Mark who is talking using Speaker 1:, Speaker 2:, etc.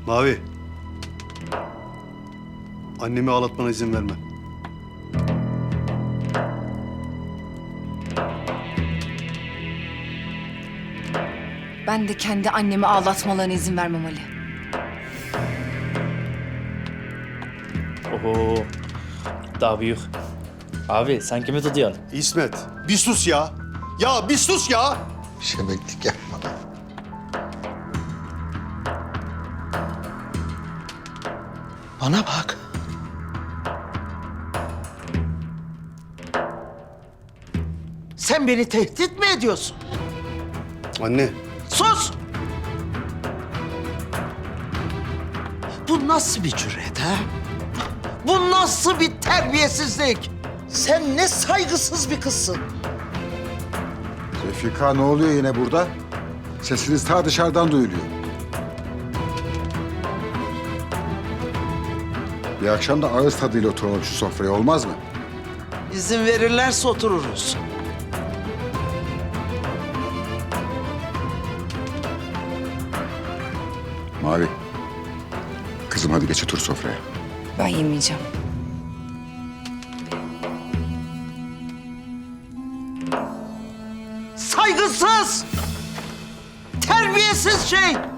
Speaker 1: Mavi. Annemi ağlatmana izin vermem.
Speaker 2: Ben de kendi annemi ağlatmalarına izin vermem Ali.
Speaker 3: Oho. Daha büyük. Abi sen kimi tutuyorsun?
Speaker 1: İsmet, bir sus ya. Ya bir sus ya.
Speaker 4: Şebeklik yapma. Bana bak. Sen beni tehdit mi ediyorsun?
Speaker 1: Anne,
Speaker 4: Sus! Bu nasıl bir cüret ha? Bu nasıl bir terbiyesizlik? Sen ne saygısız bir kızsın.
Speaker 5: Refika ne oluyor yine burada? Sesiniz ta dışarıdan duyuluyor. Bir akşam da ağız tadıyla oturalım şu sofraya, olmaz mı?
Speaker 4: İzin verirlerse otururuz.
Speaker 5: Mavi. Kızım hadi geç otur sofraya.
Speaker 2: Ben yemeyeceğim.
Speaker 4: Saygısız! Terbiyesiz şey!